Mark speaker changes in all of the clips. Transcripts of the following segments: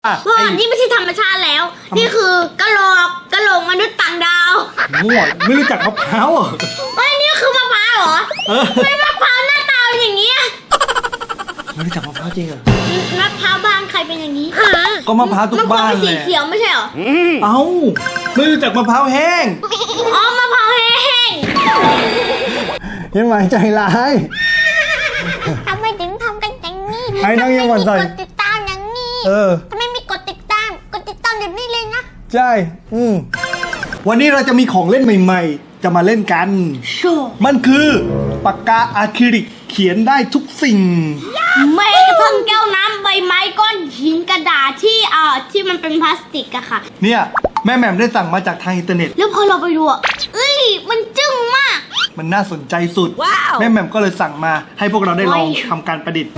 Speaker 1: พ่อนี่ไม่ใช่ธรรมชาติแล้วนี่คือกะโหลกมนุษย์ต่างดาว
Speaker 2: มั่วไม่รู้จักมะพร้าวอ่ะ
Speaker 1: เฮ้ยนี่คือมะพร้าวเหรอไม่มะพร้าวหน้าตาอย่างเงี้ย
Speaker 2: ไม่รู้จักมะพร้าวจริงเหรอ
Speaker 1: มะพร้าวบ้านใครเป็นอย่างนี้
Speaker 2: ก็มะพร้าวทุกบ้านเลย
Speaker 1: สีเขียวไม่ใช่เหรอ
Speaker 2: เอ้าไม่รู้จักมะพร้าวแห้ง
Speaker 1: อ๋อมะพร้าวแห้ง
Speaker 2: ยังหมายใจร้าย
Speaker 1: ทำไมถึงทำกันอย่างนี้
Speaker 2: ไอ้น้องยังหวั่นใจ
Speaker 1: กดติดตามอย่างนี้ทำไมไม่กดติดตามเดี๋ยวนี้เลยนะ
Speaker 2: ใช่วันนี้เราจะมีของเล่นใหม่ๆจะมาเล่นกันมันคือปากกาอะคริลิกเขียนได้ทุกสิ่ง
Speaker 1: ไม่กระทั่งแก้วน้ำใบไม้ก้อนหินกระดาษที่มันเป็นพลาสติกอะค่ะ
Speaker 2: เนี่ยแม่แหม่มได้สั่งมาจากทางอินเทอร์เน็ต
Speaker 1: แล้วพอเราไปดูมันจึ้งมาก
Speaker 2: มันน่าสนใจสุดแม่แหม่มก็เลยสั่งมาให้พวกเราได้ลองทำการประดิษฐ์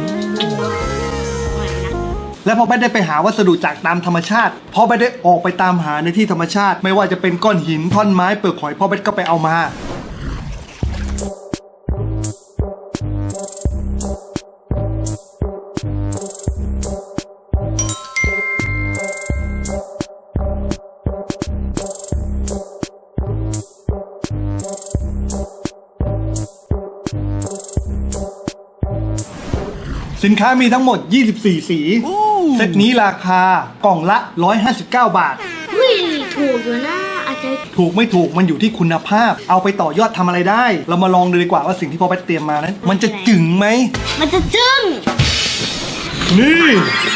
Speaker 2: และพอแบทได้ไปหาวัสดุจากตามธรรมชาติพอแบทได้ออกไปตามหาในที่ธรรมชาติไม่ว่าจะเป็นก้อนหินท่อนไม้เปลือกหอยพ่อแบทก็ไปเอามาสินค้ามีทั้งหมด24สีเซตนี้ราคากล่องละ159 บาท
Speaker 1: ถูกอยู่นะอาจจะ
Speaker 2: ถูกไม่ถูกมันอยู่ที่คุณภาพเอาไปต่อยอดทำอะไรได้เรามาลองดูดีกว่าว่าสิ่งที่พ่อแบทเตรียมมานั้นมันจะจึ๋งไหม
Speaker 1: มันจะจึ้ง
Speaker 2: นี่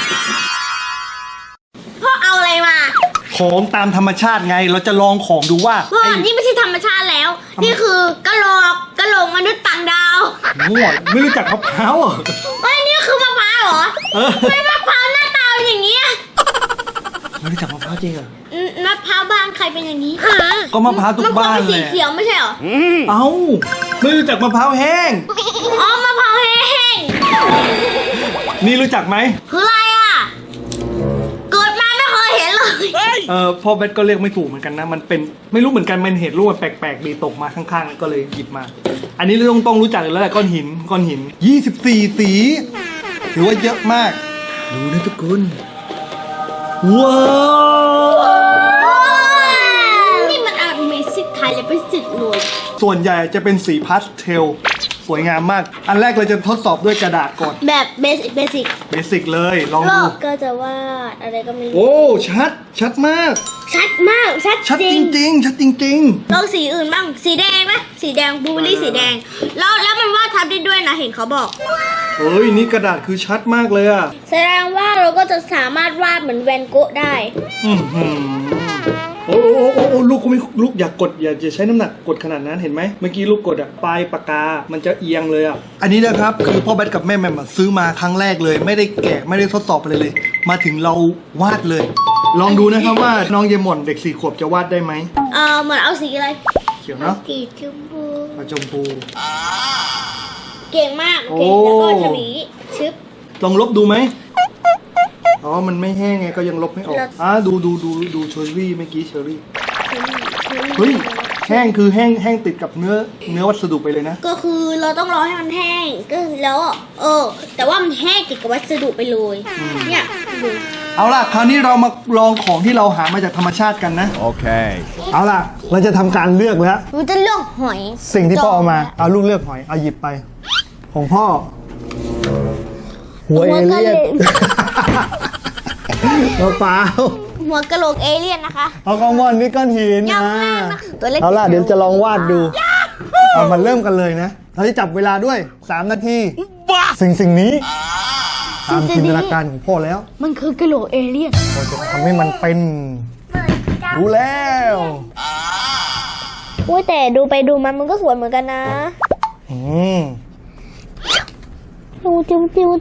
Speaker 1: พ่อเอาอะไรมา
Speaker 2: ของตามธรรมชาติไงเราจะลองของดูว่า
Speaker 1: พ่อนี่ไม่ใช่ธรรมชาติแล้วนี่คือกะโหลกมนุษย์ต่างดาว
Speaker 2: มั่วไม่รู้จักมะพร้าวอ่ะ
Speaker 1: เฮ้ยนี่คือมะพร้าวเหรอไม่มะพร้าวหน้าตาอย่างเงี้ย
Speaker 2: ไม่รู้จักมะพร้าวจริงเหรอ
Speaker 1: มะพร้าวบ้านใครเป็นอย่างนี้
Speaker 2: ก็มะพร้าวทุกบ้านเลย
Speaker 1: สีเขียวไม่ใช่เหรอ
Speaker 2: เอ้าไม่รู้จักมะพร้าวแห้ง
Speaker 1: อ๋อมะพร้าวแห้ง
Speaker 2: นี่รู้จักไหม
Speaker 1: คืออะไรอ่ะเกิดมาไม่เคยเห็นเลย
Speaker 2: พ่อแบทก็เรียกไม่ถูกเหมือนกันนะมันเป็นไม่รู้เหมือนกันมันเห็นรูปมันแปลกๆดีตกมาข้างๆก็เลยหยิบมาอันนี้เราต้องรู้จักแล้วแหละก้อนหิน24สีถือว่าเยอะมากดูนะทุกคนว้าว
Speaker 1: นี่มันAmazingไทยเลยเป็นสิทธิ์เลย
Speaker 2: ส่วนใหญ่จะเป็นสีพาสเทลสวยงามมากอันแรกเราจะทดสอบด้วยกระดาษก่อน
Speaker 1: แบบเบสิก
Speaker 2: เลยลองดู
Speaker 1: ก็จะวาดอะไรก็ไม่รู้
Speaker 2: โอ้ชัดมาก
Speaker 1: ชัด
Speaker 2: จริง
Speaker 1: ลองสีอื่นบ้างสีแดงไหมสีแดงบลูเบอร์รี่สีแดงแล้วมันวาดทับได้ด้วยนะเห็นเขาบอก
Speaker 2: เฮ้ยนี่กระดาษคือชัดมากเลยอะ
Speaker 1: แสดงว่าเราก็จะสามารถวาดเหมือนแวนโกะได้
Speaker 2: โอ้ลูกก็ไม่ลูกอย่ากดอย่าใช้น้ำหนักกดขนาดนั้นเห็นไหมเมื่อกี้ลูกกดอะปลายปากกามันจะเอียงเลยอะอันนี้นะครับคือพ่อแบทกับแม่แม่ซื้อมาครั้งแรกเลยไม่ได้แกะไม่ได้ทดสอบอะไรเลยมาถึงเราวาดเลยลองดูนะครับว่าน้องเยมอนเด็ก4 ขวบจะวาดได้ไหม
Speaker 1: เหมือนเอาสีอะไร
Speaker 2: เขียวเนาะ
Speaker 1: สีชมพูเก่งมากเก่งแล้วก็ทวีชึบ
Speaker 2: ลองลบดูไหมอ๋อมันไม่แห้งไงก็ยังลบไม่ออกดูเชอรี่เมื่อกี้เชอรี่เฮ้ยแห้งคือแห้งติดกับเนื้อวัสดุไปเลยนะ
Speaker 1: ก็คือเราต้องรอให้มันแห้งก็แล้วแต่ว่ามันแห้งติดกับวัสดุไปเลยเนี่ยดู
Speaker 2: เอาล่ะคราวนี้เรามาลองของที่เราหามาจากธรรมชาติกันนะโอเคเอาล่ะเราจะทำการเลือกแล้ว
Speaker 1: เราจะเลือกหอย
Speaker 2: สิ่งที่พ่อเอามาเอาลูกเลือกหอยเอาหยิบไปของพ่อหัวเอเลี่ยนเปล่า
Speaker 1: หัวกะโหลกเอเลี่ยนนะคะ
Speaker 2: เอากองบอลนี่ก้อนหินนะเอาล่ะเดี๋ยวจะลองวาดดูเอามาเริ่มกันเลยนะเราจะจับเวลาด้วย3 นาทีสิ่งนี้ตามจินตนาการของพ่อแล้ว
Speaker 1: มันคือกะโหลกเอเลี่ยน
Speaker 2: เราจะทำให้มันเป็นรู้แล้ว
Speaker 1: แต่ดูไปดูมันก็สวยเหมือนกันนะจิ้ว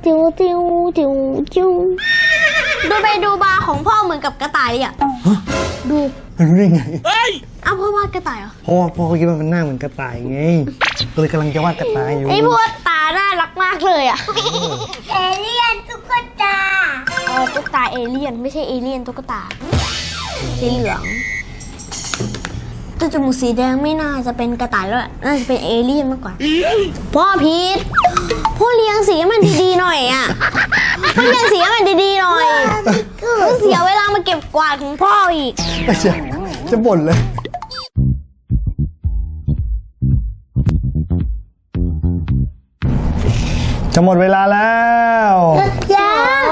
Speaker 1: ดูไปดูมาของพ่อเหมือนกับกระต่ายเลยอ่ะดู
Speaker 2: รู้ได้ไง
Speaker 1: พ่อวาดกระต่ายเหรอ
Speaker 2: พ่อคิดว่ามันหน้าเหมือนกระต่ายไงก็เลยกำลังจะวาดกระต่ายอยู่
Speaker 1: ไอ้พวกตาน่ารักมากเลยอ่ะเอเลี่ยนตุ๊กตาตุ๊กตาเอเลี่ยนไม่ใช่เอเลี่ยนตุ๊กตาสีเหลืองตัวจมูกสีแดงไม่น่าจะเป็นกระต่ายแล้วน่าจะเป็นเอเลี่ยนมากกว่าพ่อพีทพ่อเลี้ยงสีมันดีๆหน่อยอ่ะต้องเปลี่ยนสีให้มันดีๆหน่อยต้องเสียเวลามาเก็บกวาดของพ่ออีก
Speaker 2: ไม่ใช่จะบ่นเลยจะหมดเวลาแล้ว
Speaker 1: ยัง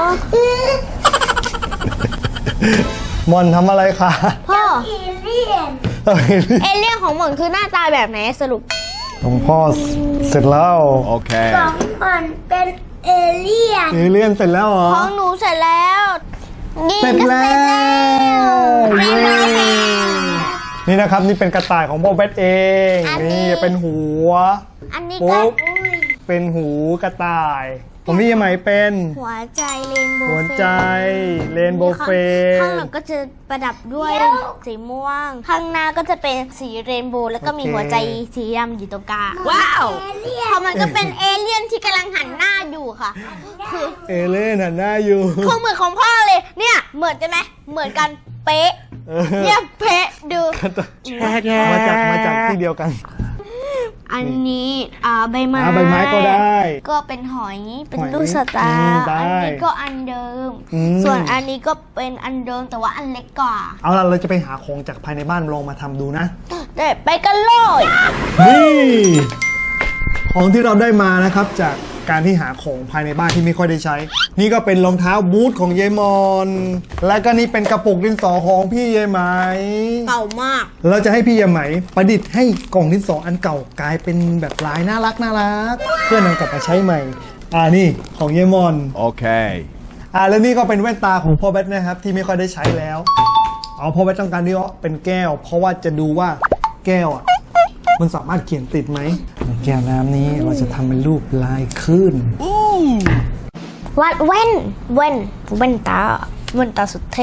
Speaker 2: มอนทำอะไรคะ
Speaker 1: พ่อ
Speaker 2: เอ
Speaker 1: เอเลี่ยนของหม่อนคือหน้าตาแบบไหนสรุป
Speaker 2: ของพ่อเสร็จแล้ว
Speaker 3: Okay.
Speaker 4: มันเป็นเอเลี่ยน
Speaker 2: เอเลี่ยนเสร็จแล้วเหรอ
Speaker 1: ของหนูเสร็จแล้วนี่
Speaker 2: เสร็จ
Speaker 1: ก็
Speaker 2: แล้
Speaker 1: เสร็จแล้ว
Speaker 2: วเย้นี่นะครับนี่เป็นกระต่ายของพ่อแบทเองนี่เป็นหัว
Speaker 1: อันนี้
Speaker 2: ปุ๊
Speaker 1: ก็
Speaker 2: บ เป็นหูกระต่ายผมพี่ยายไหมเป็น
Speaker 1: หัวใจเรนโบว์
Speaker 2: หัวใจเรนโบว์เฟ
Speaker 1: ข้างหลังก็จะประดับด้วยสีม่วง ข้างหน้าก็จะเป็นสีเรนโบว์แล้วก็มีหัวใจสีดำอยู่ตรงกลางว้าวพอมันก็เป็นเอเลี่ยนที่กำลังหันหน้าอยู่ค่ะ คือ
Speaker 2: เอเล่นหันหน้าอยู่
Speaker 1: คือเหมือนของพ่อเลยเนี่ยเหมือนกันไหมเหมือนกันเป๊ะเนี่ยเป๊ะดู
Speaker 2: มาจากที่เดียวกัน
Speaker 1: อันนี้ใบไม้
Speaker 2: ใบไม้ก็ได้
Speaker 1: ก็เป็นหอยเป็น
Speaker 2: หอย
Speaker 1: ลูกสตา
Speaker 2: อืม
Speaker 1: ร์
Speaker 2: ได้
Speaker 1: อันนี้ก็อันเดิม
Speaker 2: อืม
Speaker 1: ส่วนอันนี้ก็เป็นอันเดิมแต่ว่าอันเล็กกว่า
Speaker 2: เอาล่ะเราจะไปหาของจากภายในบ้านลองมาทำดูนะ
Speaker 1: แต่ไปกันเลย
Speaker 2: นี่ของที่เราได้มานะครับจากการที่หาของภายในบ้านที่ไม่ค่อยได้ใช้ นี่ก็เป็นรองเท้าบูทของยายมอนและก็นี่เป็นกระปุกดินสอของพี่ยายไหม
Speaker 1: เก่ามาก
Speaker 2: เราจะให้พี่ยายไหมประดิษฐ์ให้กล่องดินสออันเก่ากลายเป็นแบบลายน่ารักเพื่อนำกลับมาใช้ใหม่นี่ของยายมอน
Speaker 3: Okay.
Speaker 2: แล้วนี่ก็เป็นแว่นตาของพ่อแบทนะครับที่ไม่ค่อยได้ใช้แล้วพ่อแบทต้องการที่ว่าเป็นแก้ว เพราะว่าจะดูว่าแก้วมันสามารถเขียนติดไหมในแก้วน้ำนี้เราจะทำเป็นรูปลายคลื่น
Speaker 1: วัดแว่นตาสุดเท่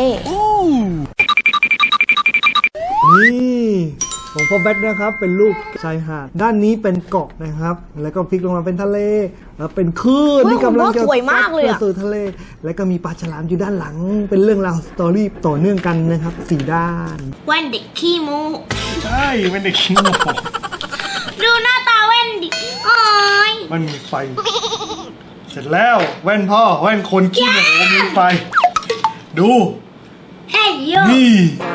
Speaker 2: นี่ของพ่อแบทนะครับเป็นรูปชายหาดด้านนี้เป็นเกาะนะครับ แล้วก็พลิกลงมาเป็นทะเลแล้วเป็นคลื่นที่กำลังจะ
Speaker 1: สวยมากเลย
Speaker 2: ซัดสู่ทะเล แล้วก็มีปลาฉลามอยู่ด้านหลัง เป็นเรื่องราวสตอรี่ต่อเนื่องกันนะครับ4ด้าน
Speaker 1: แว่นเด็กขี้โม
Speaker 2: ใช่เป็นเด็กขี้โม
Speaker 1: ดูหน้าตาแว่นดิโอ้ย
Speaker 2: มันมีไฟ เสร็จแล้วแว่นพ่อแว่นคนขี้โมมีไฟ ดู
Speaker 4: เฮ้ยโย
Speaker 2: นี่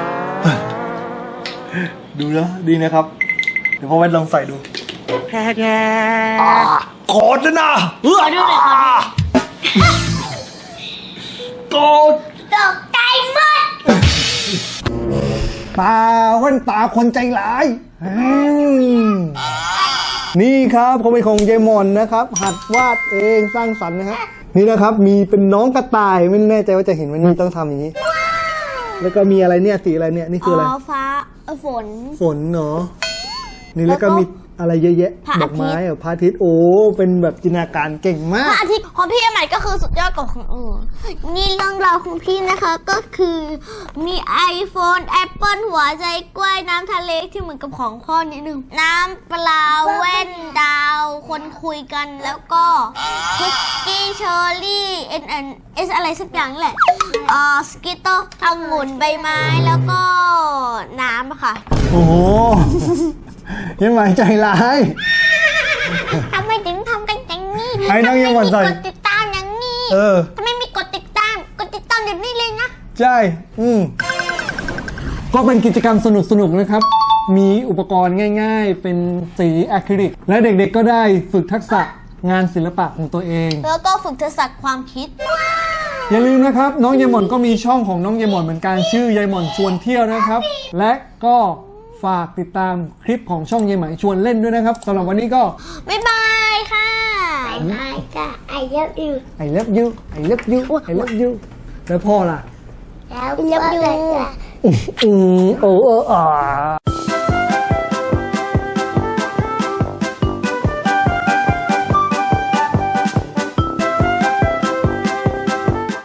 Speaker 2: ดูนะดีนะครับ เดี๋ยวพ่อแว่นลองใส่ดูกอดนะ
Speaker 1: ขอดูหน่อยครับ
Speaker 2: กอด
Speaker 4: ตกใจหมด
Speaker 2: ตาแว่นตาคนใจร้ายนี่ครับเขาเป็นของเจมอนนะครับ หัดวาดเองสร้างสรรค์นะฮะนี่นะครับมีเป็นน้องกระต่ายไม่แน่ใจว่าจะเห็นวันนี้ต้องทำอย่างนี้ แล้วก็มีอะไรเนี่ยสีอะไรเนี่ยนี่คืออะไร
Speaker 1: ฟ้าฝน
Speaker 2: ฝนเนาะนี่แล้วก็มีอะไรเยอะแยะ
Speaker 1: พระอาทิตย์
Speaker 2: ดอกไม้พระอาทิตย์โอ้เป็นแบบจินตนาการเก่งมา
Speaker 1: พระ
Speaker 2: ก
Speaker 1: อาทิตย์ของพี่ใหม่ก็คือสุดยอดกว่าของอื่นนี่เรื่องราวของพี่นะคะก็คือมี iPhone Apple หัวใจกล้วยน้ำทะเลที่เหมือนกับของพ่อนิดนึงน้ำปลาแว่นดาว คนคุยกันแล้วก็คุกกี้เชอร์รี่เอสอะไรสักอย่างนี่แหละสกิตโตองุ่นใบไม้แล้วก็น้ำอะค่ะ
Speaker 2: โอ้โห ยังหมายใจร้าย
Speaker 1: ทำไมถึงทำกันอย่างนี้
Speaker 2: ไอ้น้องยังหวั่นใจ
Speaker 1: ทำไมมีกดติดตามอย่างนี้ ทำไมมีกดติดตามเดี๋ยวนี้เลยนะ
Speaker 2: ใช่ก็เป็นกิจกรรมสนุกๆนะครับ มีอุปกรณ์ง่ายๆ เป็นสีอะคริลิก และเด็กๆก็ได้ฝึกทักษะงานศิลปะของตัวเอง
Speaker 1: แล้วก็ฝึกทักษะความคิด
Speaker 2: อย่าลืมนะครับ น้องยายหม่อนก็มีช่องของน้องยายหม่อนเหมือนกันชื่อยายหม่อนชวนเที่ยวนะครับ และก็ฝากติดตามคลิปของช่องยายไหมชวนเล่นด้วยนะครับสำหรับวันนี้ก็
Speaker 1: บ๊ายบายค่ะ
Speaker 4: ไม่จ้ะไอเลิฟยู
Speaker 2: I love you I love you I love you แล้วพ่อล่ะ
Speaker 4: แล้วก็เลยจ้ะ
Speaker 2: โอ้